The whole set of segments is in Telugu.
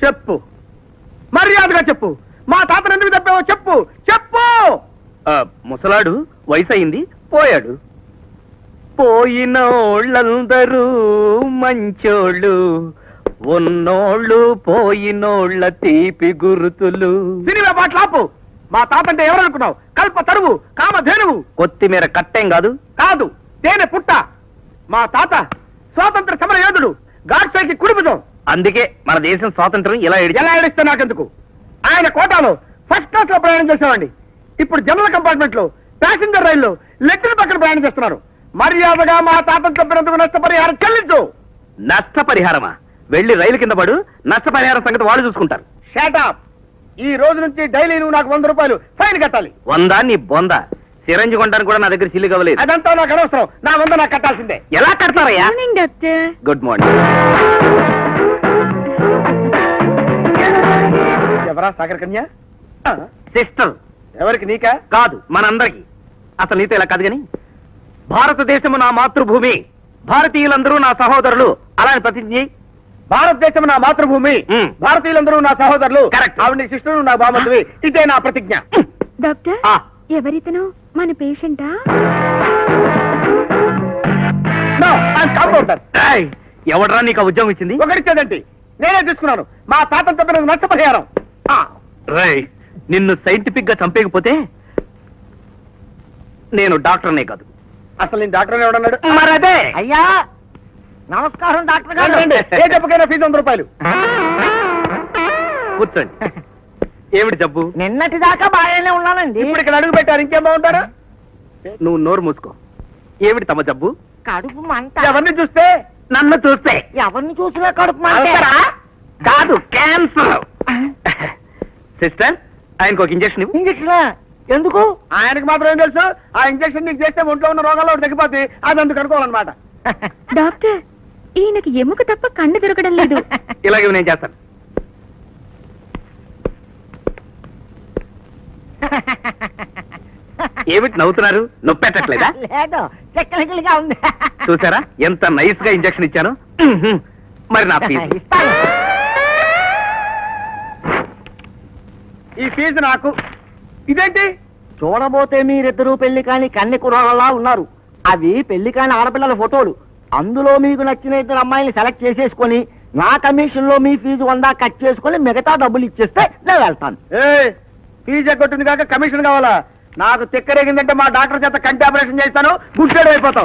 చెప్పు, మర్యాదగా చెప్పు. మా తాతను ఎందుకు తప్పావో చెప్పు, చెప్పు. ముసలాడు వయసు అయింది, పోయాడు. పోయినోళ్ళందరూ మంచోళ్ళు, ఉన్నోళ్ళు పోయినోళ్ళ తీపి గుర్తులు. సినిమా పాటలాపు. మా తాత అంటే ఎవరనుకున్నావు? కల్ప తరువు, కామధేనువు. కొత్తిమీర కట్టేం కాదు. కాదు, తేనె పుట్ట. మా తాత స్వాతంత్ర సమర యోధుడు, గాడ్సేకి కుడిపుజం. అందుకే మన దేశం స్వాతంత్రం ఎలా ఎలా ఏడిస్తే నాకెందుకు? ఆయన కోటాలో ఫస్ట్ క్లాస్ లో ప్రయాణం చేసేవాడి. ఇప్పుడు జనరల్ కంపార్ట్మెంట్ లో, ప్యాసింజర్ రైల్లో లెక్కల పక్కన ప్రయాణం చేస్తున్నారు. మర్యాదగా మా తాతను తప్పినందుకు నష్టపరిహారం చెల్లించు. నష్టపరిహారమా? వెళ్లి రైలు కింద పడు, నష్టపరిహారం సంగతి వాళ్ళు చూసుకుంటారు. షాటప్. ఈ రోజు నుంచి డైలీ నువ్వు నాకు 100 రూపాయలు ఫైన్ కట్టాలి. 100 నీ బొంద. సిరంజి కొనడానికి కూడా నా దగ్గర సిల్లు కవలేదు. అదంతా నాకు అనవసరం. నా 100 నాకు కట్టాల్సిందే. ఎలా కడతారయ్యా? Good morning. ఎవరా సాగర్ కన్య? సిస్టర్. ఎవరికి? నీకా? కాదు, మనందరికి. అసలు నీతో ఇలా కాదు గాని, భారతదేశము నా మాతృభూమి, భారతీయులందరూ నా సహోదరులు అలాని ప్రతిజ్ఞ. భారతదేశం నా మాతృభూమి, భారతీయులందరూ నా సహోదరులు. ఆవిడ శిష్యుడు, నా బామతువి. ఇదే నా ప్రతిజ్ఞ. డాక్టర్, ఎవరితను? మన పేషెంటా? ఎవడరా నీకు ఉద్యోగం ఇచ్చింది? ఒకరిచ్చేదండి, నేనే తీసుకున్నాను. మా తాతను తప్పిన నష్టపరిహారం. నిన్ను సైంటిఫిక్ గా చంపేయకపోతే నేను డాక్టర్నే కాదు. అసలు నేను డాక్టర్ ఎవడన్నాడు? మరదే. అయ్యా నమస్కారం డాక్టర్ గారు. ఏ జబ్బుకైనా ఫీజు 100 రూపాయలు. కూర్చోండి. ఏమిటి జబ్బు? నిన్నటి దాకా బాగానే ఉన్నానండి. ఇప్పుడు ఇక్కడ అడుగు పెట్టారు, ఇంకేం బాగుంటారు? నువ్వు నోరు మూసుకో. ఏమిటి తమ జబ్బు? కడుపు మంట. ఎవరిని చూస్తే? నన్ను చూస్తే. ఎవరిని చూసినా కడుపు మంట. కాదు, క్యాన్సర్. సిస్టర్, ఆయనకు ఒక ఇంజక్షన్ ఇవ్వు. ఇంజక్షన్ ఎందుకు? ఆయనకు మాత్రం ఏం తెలుసు? ఆ ఇంజక్షన్ నీకు చేస్తే ఒంట్లో ఉన్న రోగాల్లో ఒకటి తగ్గిపోతే అది అందుకు అనుకోవాలన్నమాట. డాక్టర్, ఈయనకి ఎముక తప్ప కన్ను దొరకడం లేదు. ఇలాగే నేను చేస్తాను. ఏమిటి నవ్వుతున్నారు? నొప్పెట్టట్లేదా? లేదు, చెక్కలిగా ఉంది. చూసారా ఎంత నైస్ గా ఇంజక్షన్ ఇచ్చాను. మరి నా ఫీజు? ఈ ఫీజు నాకు. ఇదేంటి? చూడబోతే మీరిద్దరూ పెళ్లి కాని కన్నె కుర్రాళ్ళలా ఉన్నారు. అవి పెళ్లి కాని ఆడపిల్లల ఫోటోలు. అందులో మీకు నచ్చిన 2 అమ్మాయిని సెలెక్ట్ చేసేసుకొని నా కమిషన్ లో మీ ఫీజు 100 కట్ చేసుకుని మిగతా డబ్బులు ఇచ్చేస్తే నేను వెళ్తాను. ఫీజు ఎగ్గొట్టింది కాక కమిషన్ కావాలా? నాకు తిక్కరేగిందంటే మా డాక్టర్ చేత కంటి ఆపరేషన్ చేస్తాను, గుడ్డేడు అయిపోతావు.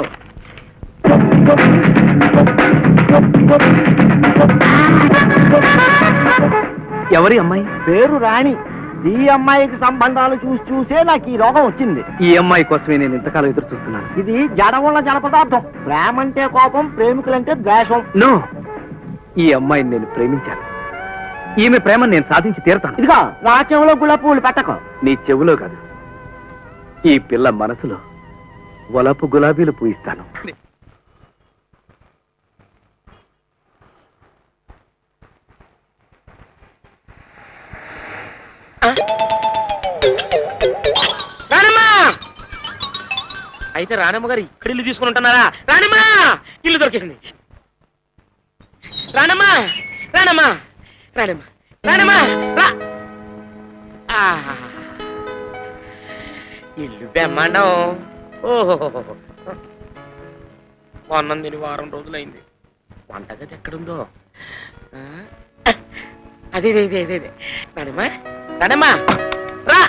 ఎవరి అమ్మాయి? పేరు రాణి. ఈ అమ్మాయికి సంబంధాలు చూసే నాకు ఈ రోగం వచ్చింది. ఈ అమ్మాయి కోసమే నేను ఇంతకాలం ఎదురు చూస్తున్నాను. ఇది జడముల జలపదార్థం. ప్రేమంటే కోపం, ప్రేమికులంటే ద్వేషం. నో, ఈ అమ్మాయిని నేను ప్రేమించాను. ఈమె ప్రేమను నేను సాధించి తీరతాను. ఇదిగో నా చెవులో గులాబీలు పెట్టకు. నీ చెవులో కాదు, ఈ పిల్ల మనసులో వలపు గులాబీలు పూయిస్తాను. అయితే రాణమ్మ గారు ఇక్కడ ఇల్లు తీసుకుని ఉంటున్నారా? రాణమ్మా, ఇల్లు దొరికేసింది. రాణమ్మా, రాణమ్మా, రాణమ్మా, రాణమ్మా, రా. ఇల్లు బెమ్మండం. ఓహో, కొన్నం తిని వారం రోజులైంది. వంటగది ఎక్కడుందో? అదే అదే అదే అదే. రాణమ్మా, రాణమ్మా, రా.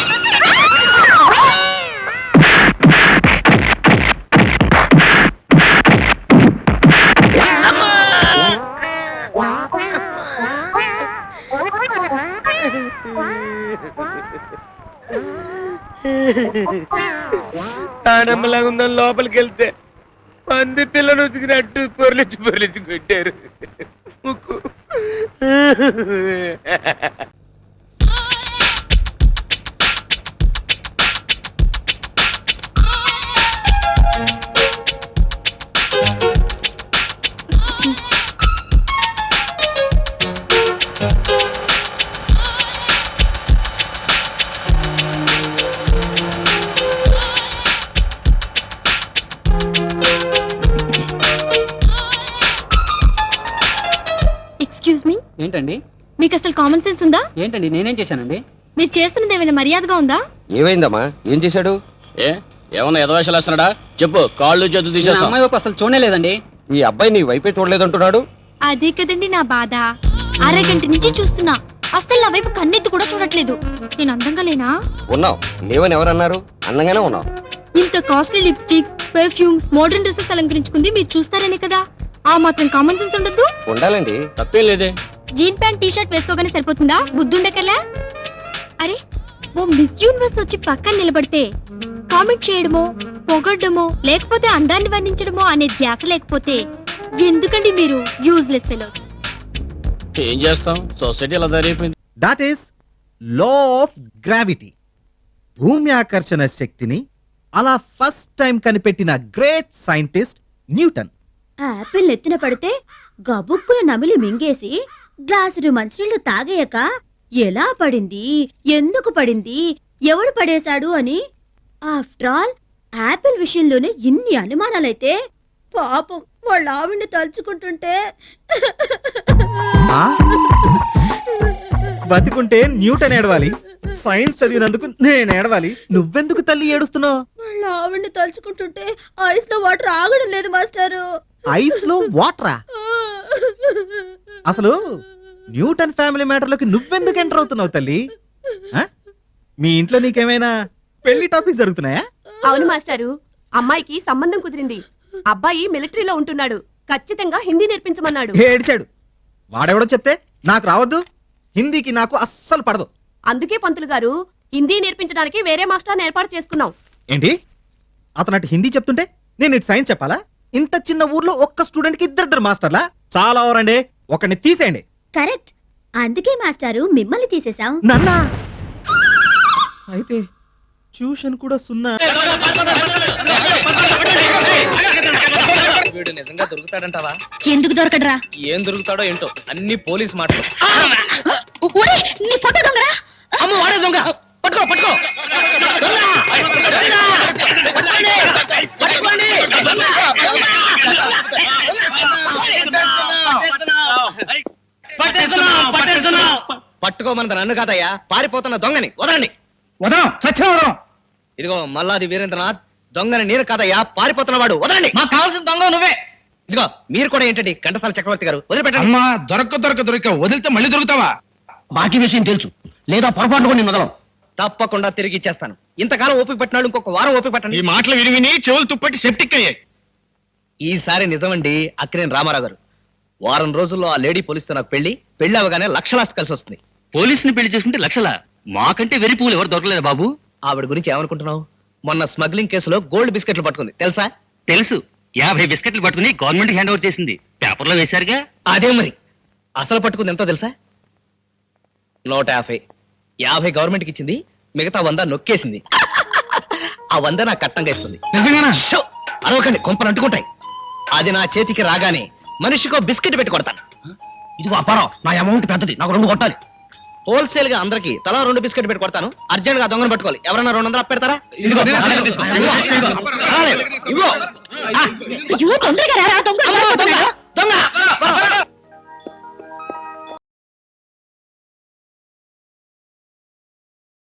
ఆడమ్మలాగా ఉందని లోపలికి వెళ్తే పంది పిల్లను ఉతికినట్టు పొరలిచ్చి కొట్టారు. ముక్కు ఎక్స్క్యూజ్ మీ, ఏంటండి? మీకు అసలు కామన్ సెన్స్ ఉందా? ఏంటండి నేనేం చేశానండి? మీరు చేస్తున్నది ఏమైనా మర్యాదగా ఉందా? ఏమైందమ్మా? ఏం చేశాడు? ఏమన్నా ఎదవేషాలు వేస్తున్నాడా? చెప్పు, కాళ్ళు చేతులు నా తీసేస్తా. అమ్మాయి వైపు అసలు చూడలేదండి. ఈ అబ్బాయి నీ వైపే చూడలేదంటున్నాడు. అదే కదండి నా బాధ. అరగంట నుంచి చూస్తున్నా, అసలు నా వైపు కన్నెత్తి కూడా చూడట్లేదు. నేను అందంగా లేనా? ఉన్నావు, లేవని ఎవరన్నారు? అందంగానే ఉన్నావు. ఇంత costly lipstick, perfume, modern dresses అలంకరించుకుంది మీరు చూస్తారనే కదా. ఆ మాత్రం కామన్ సెన్స్ ఉండదు? ఉండాలండి. తప్పేం లేదే. జీన్ ప్యాంట్ టీ షర్ట్ వేసుకోగానే సరిపోతుందా? బుద్ధుండకలా? అరే, ఓ మిస్ యూనివర్స్ వచ్చి పక్కన నిలబడితే కామెంట్ చేయడమో, పొగడ్డమో, లేకపోతే అందాన్ని వర్ణించడమో అనే ధ్యాస లేకపోతే ఎందుకండి మీరు యూజ్లెస్ ఫెలోస్? ఏం చేస్తాం, సొసైటీ అలా తయారైపోయింది. That is law of gravity. భూమి ఆకర్షణ శక్తిని అలా ఫస్ట్ టైం కనిపెట్టిన గ్రేట్ సైంటిస్ట్ న్యూటన్. ఆపిల్ ఎత్తిన పడితే గబుక్కున నమిలి మింగేసి గ్లాసుడు మంచినీళ్లు తాగేయక ఎలా పడింది, ఎందుకు పడింది, ఎవడు పడేశాడు అని ఆఫ్టర్ ఆల్ ఆపిల్ విషయంలోనే ఇన్ని అనుమానాలైతే పాపం వాళ్ళ ఆవిడ్ని తలుచుకుంటుంటే ఆ? బతికుంటే న్యూటన్ ఏడవాలి, సైన్స్ చదివినందుకు నేను ఏడవాలి. నువ్వెందుకు తల్లి ఏడుస్తున్నావు? వాళ్ళ ఆవిడ్ని తలుచుకుంటుంటే ఐస్ లో వాటర్ ఆగడం లేదు మాస్టారు. ఐస్ లో వాటరా? అసలు న్యూటన్ ఫ్యామిలీ మ్యాటర్లోకి నువ్వెందుకు ఎంటర్ అవుతున్నావు తల్లి? ఆ? మీ ఇంట్లో నీకేమైనా పెళ్లి టాపిక్స్ జరుగుతున్నాయా? అవును మాస్టారు, అమ్మాయికి సంబంధం కుదిరింది. అబ్బాయి మిలిటరీలో ఉంటున్నాడు. ఖచ్చితంగా హిందీ నేర్పించమన్నాడు. ఏడిచాడు. వాడెవడో చెప్తే నాకు రావద్దు. హిందీకి నాకు అస్సలు పడదు. అందుకే పంతులు గారు హిందీ నేర్పించడానికి వేరే మాస్టర్ ఏర్పాటు చేసుకున్నాం. ఏంటి? అతను అటు హిందీ చెప్తుంటే నేను ఇటు సైన్స్ చెప్పాలా? ఇంత చిన్న ఊర్లో ఒక్క స్టూడెంట్ కి ఇద్దరిద్దరు మాస్టర్లా? చాలా ఓవరండి. ఒకరిని తీసేయండి. కరెక్ట్, అందుకే మాస్టారు మిమ్మల్ని తీసేశాం. నన్నా? అయితే ట్యూషన్ కూడా సున్నా. వీడు నిజంగా దొరుకుతాడంటావా? ఎందుకు దొరకడరా? ఏం దొరుకుతాడో ఏంటో, అన్ని పోలీస్ మాటలు. నీ ఫోటో దొంగరా? అమ్మ, వాడే దొంగ. పట్టుకో పట్టుకో. దొంగ! పట్టుకోండి! పట్టుకోండి! పట్టుకోమన్నది నన్ను కాదయ్యా, పారిపోతున్న దొంగని. వదలండి. వదలం, సత్యం వదలం. ఇదిగో మల్లాది వీరేంద్రనాథ్, దొంగని నేను కాదయ్యా, పారిపోతున్నవాడు. వదలండి. మాకు కావాల్సిన దొంగ నువ్వే. ఇదిగో మీరు కూడా ఏంటండి ఘంటసాల చక్రవర్తి గారు, వదిలిపెట్టండి. అమ్మా, దొరక వదిలితే మళ్ళీ దొరుకుతావా? బాకీ విషయం తెలుసు, లేదా పొరపాటు కూడా నేను వదలం. తప్పకుండా తిరిగి ఇచ్చేస్తాను. ఇంతకాలం ఓపిక పట్టినాడు, ఇంకొక వారం ఓపిక పట్టండి. ఈ మాటలు విని విని చెవులు తుప్పట్టి సెప్టిక్ అయ్యాయి. ఈసారి నిజమండి అక్కినేని రామారావు గారు. వారం రోజుల్లో ఆ లేడీ పోలీసుతో నాకు పెళ్లి అవగానే లక్షలాస్తి కలిసి వస్తుంది. పోలీసుని పెళ్లి చేసుకుంటే లక్షల? మాకంటే వెరి పువ్వులు ఎవరు దొరకలేదు బాబు. ఆవిడ గురించి ఏమనుకుంటున్నావు? మొన్న స్మగ్లింగ్ కేసులో గోల్డ్ బిస్కెట్లు పట్టుకుంది, తెలుసా? తెలుసు, 50 బిస్కెట్లు పట్టుకుని గవర్నమెంట్ హ్యాండ్ ఓవర్ చేసింది. పేపర్లో వేశారుగా. అదే మరి. అసలు పట్టుకుంది ఎంతో తెలుసా? 150. 50 గవర్నమెంట్కి ఇచ్చింది, మిగతా 100 నొక్కేసింది. ఆ 100 నాకు కట్టంగా ఇస్తుంది. నిజంగానా? షో! అరవకండి, కొంపలు అంటుకుంటాయి. అది నా చేతికి రాగానే మనిషికో బిస్కెట్ పెట్టి కొడతాను. ఇదిగో అప్పారావు, నా అమౌంట్ పెద్దది, నాకు 2 కొట్టాలి. హోల్సేల్ గా అందరికి తలా 2 బిస్కెట్ పెట్టి కొడతాను. అర్జెంట్ గా దొంగను పట్టుకోవాలి. ఎవరన్నా 200 పెడతారా? ఇదిగో. అయ్యో, తొందరగా రారా, దొంగ దొంగ!